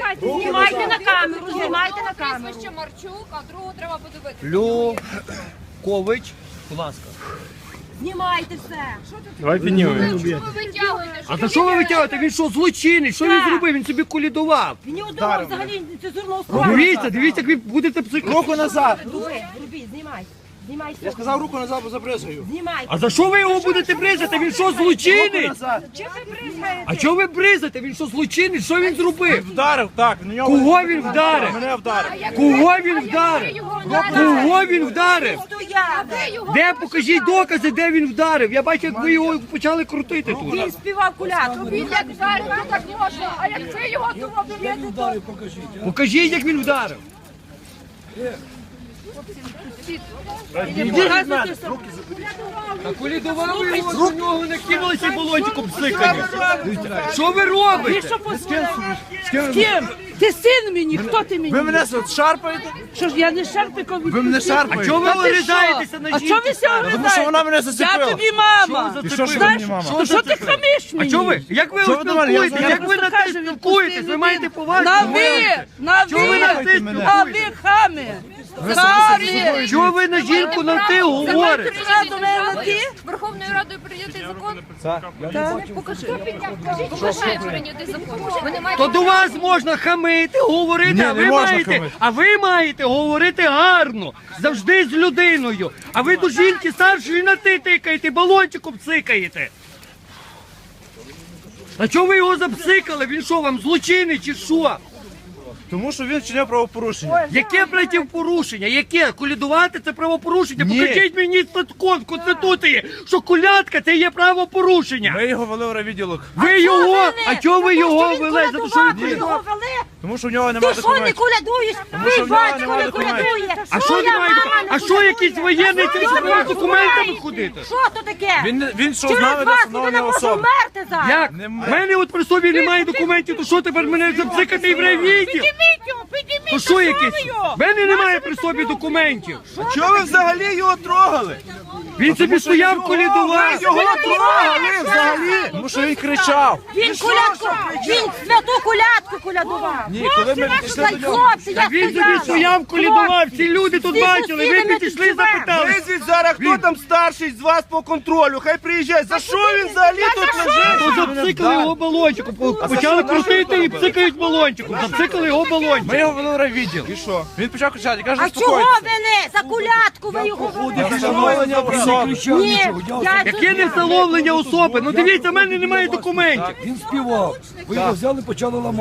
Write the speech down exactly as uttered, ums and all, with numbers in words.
Знімайте на камеру, знімайте на камеру. Прізвище Марчук, а другого треба подивитися. Люкович, будь ласка. Знімайте все. Давай піднімемо. Чому ви витягуєте? А за що ви витягуєте? Він що, злочинець? Що він зробив? Він собі колядував. Він не одного взагалі цензурного слова. Дивіться, дивіться, як ви будете психо. Руку назад. Дуби, робіть, знімай. Знімай Я все. сказав руку назад, бо забризгаю. Знімай. А за що ви його будете бризати? Він що, злочинець? Назад. Чим ви бризгаєте? А чого ви бризате? Він що, злочинець? Що він зробив? Вдарив, так. На нього. Кого він вдарив? Мене вдарив. Кого він вдарив? Кого він вдарив? Стояв. Де покажіть докази, де він вдарив? Я бачу, як ви його почали крутити тут. Він співав кулятку. Він як вдарив, то так можна, а як ви його того б'єте, то... Покажіть, як він вдарив. А колядували його, до нього не кинулися балончиком псикані. Що ви робите? З ким? Ти син мені, хто ти мені? Ви мене от шарпаєте? Що ж, я не шарпиком від... Ви мене А шарпаєте? чого ви вирізаєтеся на А жінку? що ви все Тому що вона мене зацепила. Я тобі мама. Що ви І що ж ви зацепили? мені, мама? То що ти хамиш А мені? чого ви? Як ви Що ви до мене? Я спілкуєтесь? знаю. Як ви на те Скажи, спілкуєтесь? відпусти Ви маєте людину. повагу? На до ви, мене. на Чого ви на ви, ти мене? а ви хами. Хамі. Чого ви на жінку на ти говорите? Що до мене на ти? Верховною Радою прийнятий закон? Покажи. Покажи прийнятий закон. Ви не маєте То до вас можна хамити, говорити, Ні, а не ви можна маєте, хамити. а ви маєте говорити гарно, завжди з людиною. А ви до жінки старшої на ти тикаєте, балончиком цикаєте. А чого ви його запсикали? Він що, вам злочинець чи що? Тому що він вчиняв правопорушення. Яке порушення? Яке? Колядувати це правопорушення? Ні. Покажіть мені закон в Конституції, що колядка це є правопорушення. Ми його вели в райвідділок. Ви його, а чого ви його Він вели? За те, що колядував, ви- його вели. Тому що в нього Ти немає що не документів. колядуєш? що Твій в нього батько немає не документів. колядує. А що Твоя немає? мама не А що колядує. якийсь воєнний А цим що з ви документами знаєте? ходити? Що то таке? Він, він йшов з Через нами до вас встановлення людина може особи. вмерти зараз. Як? Немає. В мене от при собі немає документів, то що тепер мене запсикати і в райвідділ? Підніміть його, підніміть. То що якесь? В мене немає при собі документів. Чого ви взагалі його трогали? Він собі стояв, колядував. Його трогали взагалі. Тому що він кричав. Він колядку, він святу колядку колядував. Ні, коли ми підійшли Хлопці, до нього. хлопці, я Так він собі сказала. стояв, колядував. Всі люди тут Всі бачили, ви сусіди ми підійшли, тут живемо. запитали. Визвіть зараз, хто там старший з вас по контролю, хай приїжджає. За що він взагалі тут лежить? То запсикали його балончиком, по- почали крутити і псикають балончиком. Запсикали його балончиком. Ми його вели в райвідділ. І що? Він почав кричати, каже, А чого успокойтесь. вели? За колядку ви його вели? Встановлення особи. Ні, я Яке не встановлення особи? Ну дивіться, в мене немає документів. Він співав. Ви його взяли, почали ламати.